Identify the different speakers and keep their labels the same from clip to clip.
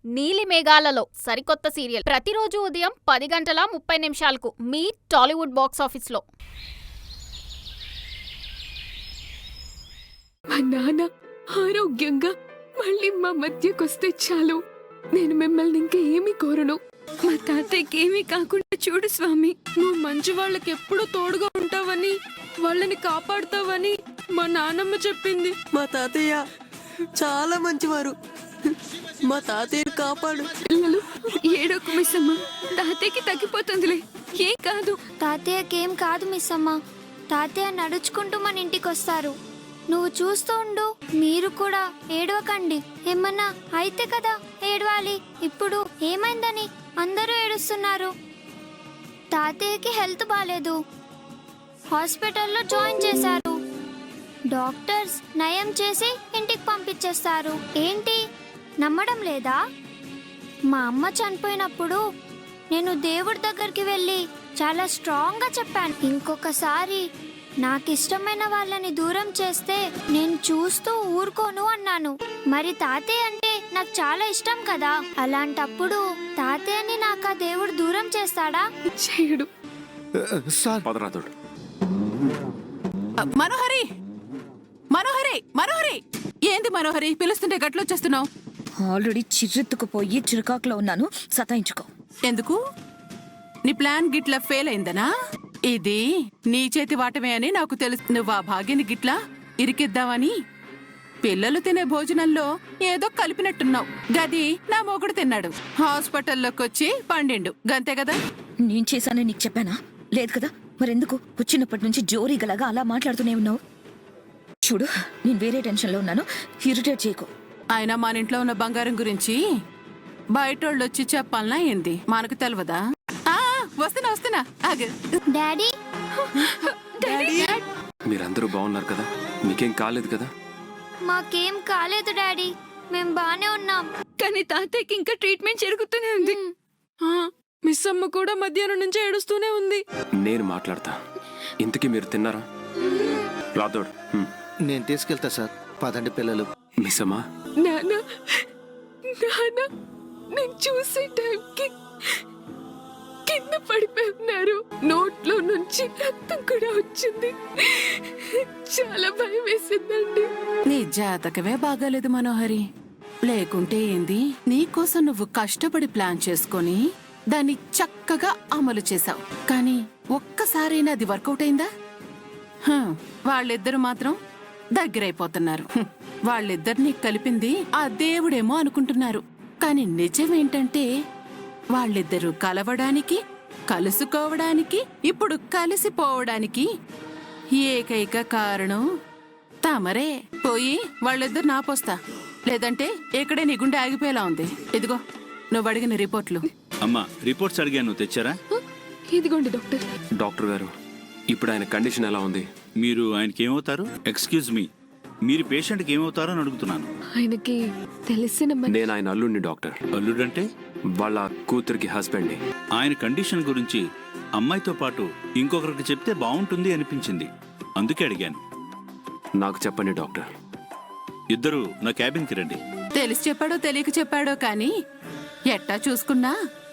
Speaker 1: నీలి మేఘాలలో సరికొత్త సీరియల్ ప్రతిరోజు ఉదయం 10:30 మీ టాలీవుడ్ బాక్స్ ఆఫీస్లో.
Speaker 2: మా నాన్న ఆరోగ్యంగా మళ్ళీ మా మధ్యకొస్తే చాలు. నేను మిమ్మల్ని ఇంకా ఏమీ కోరను. మా తాతయ్యకి ఏమీ కాకుండా చూడు స్వామి. నువ్వు మంచి వాళ్ళకి ఎప్పుడూ తోడుగా ఉంటావని, వాళ్ళని కాపాడుతావని మా నాన్నమ్మ చెప్పింది.
Speaker 3: మా తాతయ్య చాలా మంచివారు. మా తాతయ్యని కాపాడు.
Speaker 2: పిల్లలు ఏడోకు మిస్సమ్మ, తాతయ్యకి తగ్గిపోతుందిలే, ఏం కాదు.
Speaker 4: తాతయ్యకేం కాదు మిస్సమ్మ. తాతయ్య నడుచుకుంటూ మన ఇంటికి వస్తారు. నువ్వు చూస్తూ ఉండు. మీరు కూడా ఏడవకండి. ఏమన్నా అయితే కదా ఏడవాలి. ఇప్పుడు ఏమైందని అందరూ ఏడుస్తున్నారు. తాతయ్యకి హెల్త్ బాలేదు. హాస్పిటల్లో జాయిన్ చేశారు. డాక్టర్స్ నయం చేసి ఇంటికి పంపించేస్తారు. ఏంటి నమ్మడం లేదా? మా అమ్మ చనిపోయినప్పుడు నేను దేవుడి దగ్గరికి వెళ్ళి చాలా స్ట్రాంగ్గా చెప్పాను, ఇంకొకసారి నాకు ఇష్టమైన వాళ్ళని దూరం చేస్తే నేను చూస్తూ ఊరుకోను అన్నాను. మరి తాతయ్య అంటే నాకు చాలా ఇష్టం కదా. అలాంటప్పుడు తాతయ్యని నాకు ఆ దేవుడు దూరం చేస్తాడా?
Speaker 2: చేయడు.
Speaker 5: మనోహరి, మనోహరి, మనోహరి, ఏంది మనోహరి పిలుస్తుంటే గట్లొచ్చేస్తున్నావు?
Speaker 6: ఆల్రెడీ చిర్రెత్తుకుపోయి చిరుకాకులో ఉన్నాను, సతాయించుకో.
Speaker 5: ఎందుకు? నీ ప్లాన్ గిట్ల ఫెయిల్ అయిందనా? ఇది నీ చేతి వాటమే అని నాకు తెలుసు. నువ్వు ఆ భాగ్యని గిట్లా ఇరికిద్దామని పిల్లలు తినే భోజనంలో ఏదో కలిపినట్టున్నావు. గది నా మొగుడు తిన్నాడు. హాస్పిటల్లోకి వచ్చి పండిండు, గంతే కదా.
Speaker 6: నేను చేశానని నీకు చెప్పానా? లేదు కదా. మరెందుకు వచ్చినప్పటి నుంచి జోరీగలాగా అలా మాట్లాడుతూనే ఉన్నావు? చూడు, నేను వేరే టెన్షన్లో ఉన్నాను, ఇరిటేట్ చేయకు.
Speaker 5: ఆయన మన ఇంట్లో ఉన్న బంగారం గురించి బయటోళ్ళు వచ్చి చెప్పాలనా ఏంది? మనకు తెలియదా? వస్తున్నా వస్తున్నా, ఆగు.
Speaker 4: డాడీ,
Speaker 7: మీరందరూ బాగున్నారు కదా? మీకేం కాలేదు కదా?
Speaker 4: మాకేం కాలేదు డాడీ, మేం బానే ఉన్నాం.
Speaker 2: కానీ తాతయ్యకి ఇంకా ట్రీట్మెంట్ జరుగుతూనే ఉంది. మిస్ అమ్మ కూడా మధ్యాహ్నం నుంచి ఏడుస్తూనే ఉంది.
Speaker 7: నేను మాట్లాడతా. ఇంతకీ మీరు తిన్నారా? రాదోడు,
Speaker 8: నేను తీసుకెళ్తా సార్. పదండి పిల్లలు.
Speaker 7: మిస్ అమ్మా.
Speaker 2: నాన్న, నాన్న, నేను చూసే టైంకి కింద పడిపోయి ఉన్నారు. నోట్లో నుంచి రక్తం కూడా వచ్చింది. చాలా భయం వేసిందండి.
Speaker 5: నీ జాతకమే బాగాలేదు మనోహరి. లేకుంటే ఏంది, నీకోసం నువ్వు కష్టపడి ప్లాన్ చేసుకొని దాన్ని చక్కగా అమలు చేశావు. కానీ ఒక్కసారైనా అది వర్కౌట్ అయిందా? వాళ్ళిద్దరు మాత్రం దగ్గరైపోతున్నారు. వాళ్ళిద్దరినీ కలిపింది ఆ దేవుడేమో అనుకుంటున్నారు. కానీ నిజమేంటంటే వాళ్ళిద్దరూ కలవడానికి, కలుసుకోవడానికి, ఇప్పుడు కలిసిపోవడానికి ఏకైక కారణం తమరే. పోయి వాళ్ళిద్దరు నాపోస్తా, లేదంటే ఇక్కడే నీ గుండె ఆగిపోయేలా ఉంది. ఇదిగో నువ్వు అడిగిన రిపోర్ట్లు.
Speaker 9: అమ్మా, రిపోర్ట్స్ అడిగాను, తెచ్చారా?
Speaker 2: ఇదిగోండి డాక్టర్.
Speaker 7: డాక్టర్ గారు, ఇప్పుడు ఆయన కండిషన్ ఎలా ఉంది?
Speaker 9: మీరు ఆయనకి ఏమవుతారు? ఎక్స్క్యూజ్ మీ, మీరు పేషెంట్కి ఏమవుతారో అని అడుగుతున్నాను.
Speaker 2: ఆయనకి తెలిసిన
Speaker 7: నేను ఆయన అల్లుడిని డాక్టర్.
Speaker 9: అల్లుడంటే?
Speaker 7: వాళ్ళ కూతురికి హస్బెండ్ని.
Speaker 9: ఆయన కండిషన్ గురించి అమ్మాయితో పాటు ఇంకొకరికి చెప్తే బాగుంటుంది అనిపించింది, అందుకే అడిగాను.
Speaker 7: నాకు చెప్పండి డాక్టర్.
Speaker 9: ఇద్దరు నా క్యాబిన్కి రండి.
Speaker 5: తెలిసి చెప్పాడో తెలియక చెప్పాడో కానీ ఎట్టా చూసుకున్నా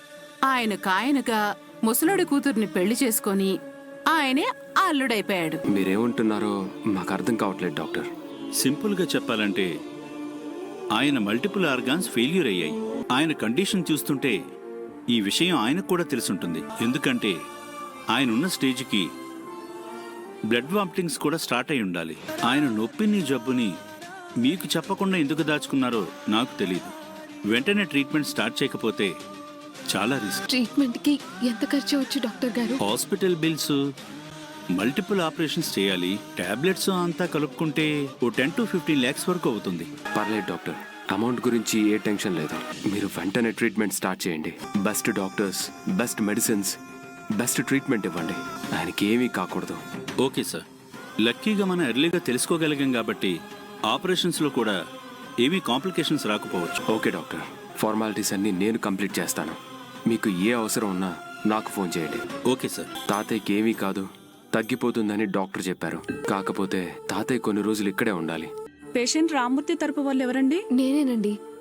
Speaker 5: ఆయనగా ముసలుడి కూతుర్ని పెళ్లి చేసుకొని ఆయనే అల్లుడైపోయాడు.
Speaker 7: మీరేమంటున్నారో మాకు అర్థం కావట్లేదు డాక్టర్.
Speaker 9: సింపుల్గా చెప్పాలంటే ఆయన మల్టిపుల్ ఆర్గాన్స్ ఫెయిల్యూర్ అయ్యాయి. ఆయన కండిషన్ చూస్తుంటే ఈ విషయం ఆయనకు కూడా తెలుసుంటుంది. ఎందుకంటే ఆయన ఉన్న స్టేజ్కి బ్లడ్ వామిటింగ్స్ కూడా స్టార్ట్ అయి ఉండాలి. ఆయన నొప్పిని, జబ్బుని మీకు చెప్పకుండా ఎందుకు దాచుకున్నారో నాకు తెలియదు. వెంటనే ట్రీట్మెంట్ స్టార్ట్ చేయకపోతే చాలా రిస్క్.
Speaker 2: ట్రీట్మెంట్ కి ఎంత ఖర్చు అవచ్చు డాక్టర్ గారు?
Speaker 9: హాస్పిటల్ బిల్స్, మల్టిపుల్ ఆపరేషన్స్ చేయాలి, టాబ్లెట్స్ అంతా కలుపుకుంటే ఓ 10 to 15 lakhs వరకు అవుతుంది.
Speaker 7: పర్లేదు డాక్టర్, అమౌంట్ గురించి ఏ టెన్షన్ లేదు. మీరు వెంటనే ట్రీట్మెంట్ స్టార్ట్ చేయండి. Best doctors, best medicines, best treatment ఇవ్వండి. ఆయనకి ఏమీ కాకూడదు.
Speaker 9: Okay sir. లక్కీగా మనం ఎర్లీగా తెలుసుకోగలిగాం కాబట్టి ఆపరేషన్స్లో కూడా ఏమీ కాంప్లికేషన్స్ రాకపోవచ్చు.
Speaker 7: ఓకే డాక్టర్, ఫార్మాలిటీస్ అన్నీ నేను కంప్లీట్ చేస్తాను. మీకు ఏ అవసరం ఉన్నా నాకు ఫోన్ చేయండి.
Speaker 9: Okay sir.
Speaker 7: తాతయ్యకి ఏమీ కాదు, తగ్గిపోతుందని డాక్టర్ చెప్పారు. కాకపోతే తాతయ్య కొన్ని రోజులు ఇక్కడే ఉండాలి.
Speaker 10: పేషెంట్ రామ్మూర్తి తరపు వాళ్ళు ఎవరండి?
Speaker 2: నేనేనండి.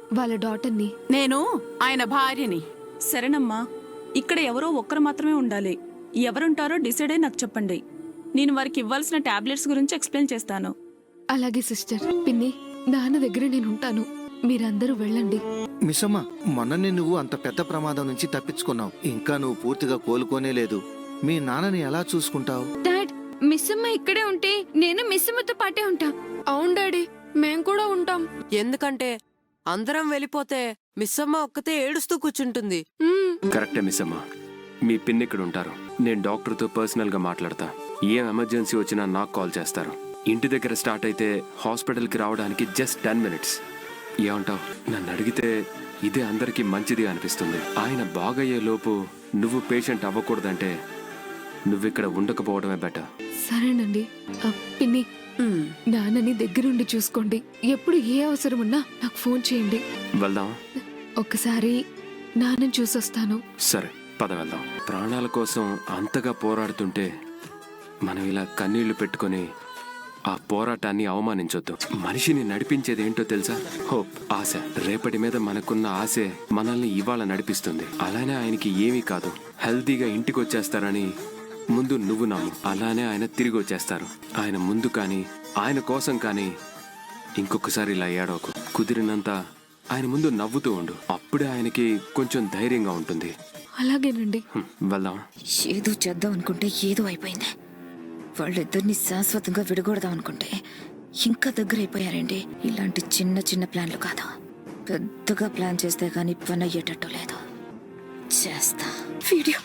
Speaker 2: వాళ్ళ డాటర్ని.
Speaker 5: నేను ఆయన భార్యని.
Speaker 10: సరేనమ్మా, ఇక్కడ ఎవరో ఒక్కరు మాత్రమే ఉండాలి. ఎవరుంటారో డిసైడ్ అయి నాకు చెప్పండి. నేను వారికి ఇవ్వాల్సిన టాబ్లెట్స్ గురించి ఎక్స్ప్లెయిన్ చేస్తాను.
Speaker 2: అలాగే సిస్టర్. పిన్ని, నాన్న దగ్గర నేను ఉంటాను. మీరందరూ వెళ్ళండి.
Speaker 8: మిస్సమ్మ, మొన్ననే నువ్వు అంత పెద్ద ప్రమాదం నుంచి తప్పించుకున్నావు. ఇంకా నువ్వు పూర్తిగా కోలుకోనే లేదు. మీ నాన్నని ఎలా చూసుకుంటావు?
Speaker 2: డాడ్, మిస్సమ్మ ఇక్కడే ఉంటే నేను మిస్సమ్మతో పాటే ఉంటా. అవును డాడీ, మేం కూడా ఉంటాం.
Speaker 3: ఎందుకంటే అందరం వెళ్ళిపోతే మిస్సమ్మ ఒక్కతే ఏడుస్తూ కూర్చుంటుంది.
Speaker 7: కరెక్టే మిస్ అమ్మా. మీ పిన్ ఇక్కడ ఉంటారు. నేను డాక్టర్తో పర్సనల్గా మాట్లాడతా. ఏం ఎమర్జెన్సీ వచ్చినా నాకు కాల్ చేస్తారు. ఇంటి దగ్గర స్టార్ట్ అయితే హాస్పిటల్కి రావడానికి జస్ట్ 10 minutes. ఏమంటావు? నన్ను అడిగితే ఇదే అందరికీ మంచిది అనిపిస్తుంది. ఆయన బాగయ్యే లోపు నువ్వు పేషెంట్ అవ్వకూడదంటే నువ్విక్కడ ఉండకపోవడమే బెటర్.
Speaker 2: సరేనండి. పిన్ని, నాన్నని దగ్గరుండి చూసుకోండి. ఎప్పుడు ఏ అవసరం ఉన్నా నాకు ఫోన్ చేయండి.
Speaker 7: వెళ్దాం.
Speaker 2: ఒక్కసారి నాన్నని చూసొస్తాను.
Speaker 7: సరే, పద వెళ్దాం. ప్రాణాల కోసం అంతగా పోరాడుతుంటే మనం ఇలా కన్నీళ్లు పెట్టుకొని ఆ పోరాటాన్ని అవమానించొద్దు. మనిషిని నడిపించేది ఏంటో తెలుసా? హోప్, ఆశ. రేపటి మీద మనకున్న ఆశే మనల్ని ఇవాళ నడిపిస్తుంది. అలానే ఆయనకి ఏమీ కాదు, హెల్తీగా ఇంటికి వచ్చేస్తారని ముందు నువ్వు నమ్ము. అలానే ఆయన తిరిగి వచ్చేస్తారు. ఆయన ముందు కానీ ఆయన కోసం కానీ ఇంకొకసారి ఇలా ఏడవకు. కుదిరినంత ఆయన ముందు నవ్వుతూ ఉండు. అప్పుడే ఆయనకి కొంచెం ధైర్యంగా ఉంటుంది.
Speaker 2: అలాగేనండి.
Speaker 7: వెళ్దాం.
Speaker 6: ఏదో చేద్దాం అనుకుంటే ఏదో అయిపోయింది. వాళ్ళిద్దరిని శాశ్వతంగా విడగొడదాం అనుకుంటే ఇంకా దగ్గర అయిపోయారండి. ఇలాంటి చిన్న చిన్న ప్లాన్లు కాదు, పెద్దగా ప్లాన్ చేస్తే కానీ పని అయ్యేటట్టు లేదు. చేస్తా. వీడియో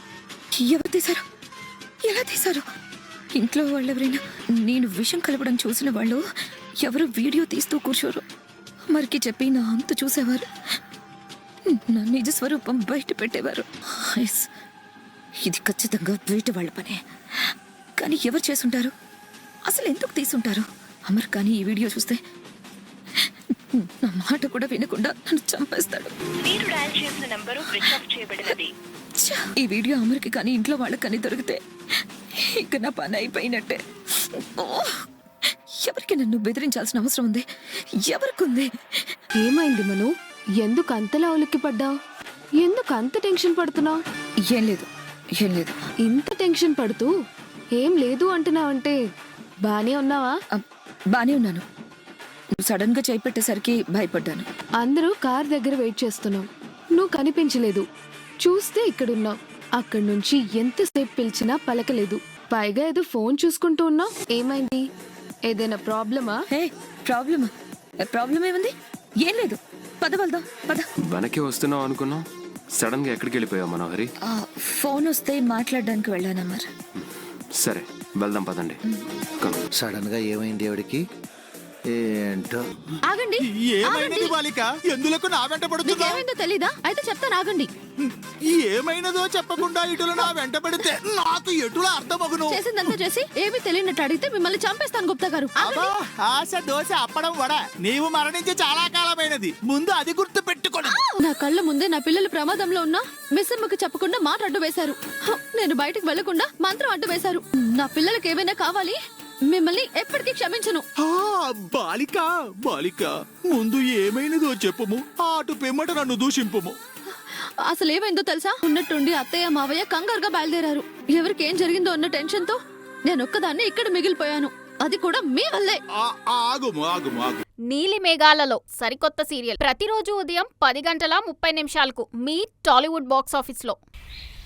Speaker 6: ఎవరు తీశారు? ఎలా తీశారు? ఇంట్లో వాళ్ళెవరైనా నేను విషం కలపడం చూసిన వాళ్ళు ఎవరు వీడియో తీస్తూ కూర్చోరు. మరికి చెప్పి నా అంతు చూసేవారు, నా నిజ స్వరూపం బయట పెట్టేవారు. ఇది ఖచ్చితంగా బయట వాళ్ళ పనే. కానీ ఎవరు చేసుంటారు? అసలు ఎందుకు తీసుంటారు? అమర్ కానీ ఈ వీడియో చూస్తే నా మాట కూడా వినకుండా నన్ను చంపేస్తాడు. ఈ వీడియో అమర్కి కానీ ఇంట్లో వాళ్ళకి కానీ దొరికితే ఇక నా పని అయిపోయినట్టే. ఎవరికి నన్ను బెదిరించాల్సిన అవసరం ఉంది? ఎవరికుంది?
Speaker 2: ఏమైంది మను? ఎందుకు అంతలా ఉలిక్కి పడ్డావు? ఎందుకు అంత టెన్షన్ పడుతున్నావు?
Speaker 6: ఏం లేదు, ఏం లేదు.
Speaker 2: ఇంత టెన్షన్ పడుతూ ఏం లేదు అంటున్నావంటే బానే ఉన్నావా?
Speaker 6: బానే ఉన్నాను. నువ్వు సడన్ గా చేయి పెట్టేసరికి భయపడ్డాను.
Speaker 2: అందరూ కార్ దగ్గర వెయిట్ చేస్తున్నాం, నువ్వు కనిపించలేదు. చూస్తే ఇక్కడున్నావు. అక్కడి నుంచి ఎంతసేపు పిలిచినా పలకలేదు. పైగా ఏదో ఫోన్ చూసుకుంటూ ఉన్నావు. ఏమైంది? ఏదైనా ప్రాబ్లమా?
Speaker 6: హే, ప్రాబ్లమా? ప్రాబ్లం ఏముంది? ఏం లేదు. పద వెళ్దాం, పద.
Speaker 7: వెనక్కి వస్తున్నావు అనుకున్నావు, సడన్ గా ఎక్కడికి వెళ్ళిపోయావు మనోహరి?
Speaker 6: ఫోన్ వస్తే మాట్లాడడానికి వెళ్ళాను అమర్.
Speaker 7: సరే, వెళ్దాం పదండి.
Speaker 8: సడన్ గా ఏమైంది ఆవిడికి? ఏంటో.
Speaker 2: ఆగండి.
Speaker 11: ఏమైనది బాలిక? ఎందులకు నా వెంట పడుతున్నావు?
Speaker 2: ఏమైందో తెలీదా? అయితే చెప్తాను, ఆగండి.
Speaker 11: ఏమైనదో చెప్పకుండా ఇటులు నా వెంట పడితే నాకు ఎటులా అర్థమగును?
Speaker 2: చేసిందంతా చేసి ఏమీ తెలియనట్టు అడిగితే మిమ్మల్ని చంపేస్తాను గుప్తా గారు.
Speaker 11: అబ్బా, ఆశ దోశ అప్పడం వడ. నీవు మరణించి చాలా కాలమైనది, ముందు అది గుర్తు పెట్టుకోను.
Speaker 2: నా కళ్ళ ముందే నా పిల్లలు ప్రమాదంలో ఉన్నా మిస్సమ్మకి చెప్పకుండా మాట అడ్డు వేశారు. నేను బయటకు వెళ్లకుండా మంత్రం అడ్డు వేశారు. నా పిల్లలకి ఏమైనా కావాలి, మిమ్మల్ని ఎప్పటికీ క్షమించను.
Speaker 11: బాలిక, బాలిక, ముందు ఏమైనదో చెప్పుము, అటు పిమ్మట నన్ను దూషింపుము.
Speaker 2: అసలు ఏమైందో తెలుసా? ఉన్నట్టుండి అత్తయ్య మావయ్య కంగారుగా బయలుదేరారు. ఎవరికి ఏం జరిగిందో అన్న టెన్షన్ తో నేను ఒక్కదాన్ని ఇక్కడ మిగిలిపోయాను. అది కూడా మీ వల్లే.
Speaker 11: ఆగుము, ఆగుము, ఆగు.
Speaker 1: నీలి మేఘాలలో సరికొత్త సీరియల్ ప్రతిరోజు ఉదయం 10 గంటల 30 నిమిషాలకు మీ టాలీవుడ్ బాక్స్ ఆఫీస్లో.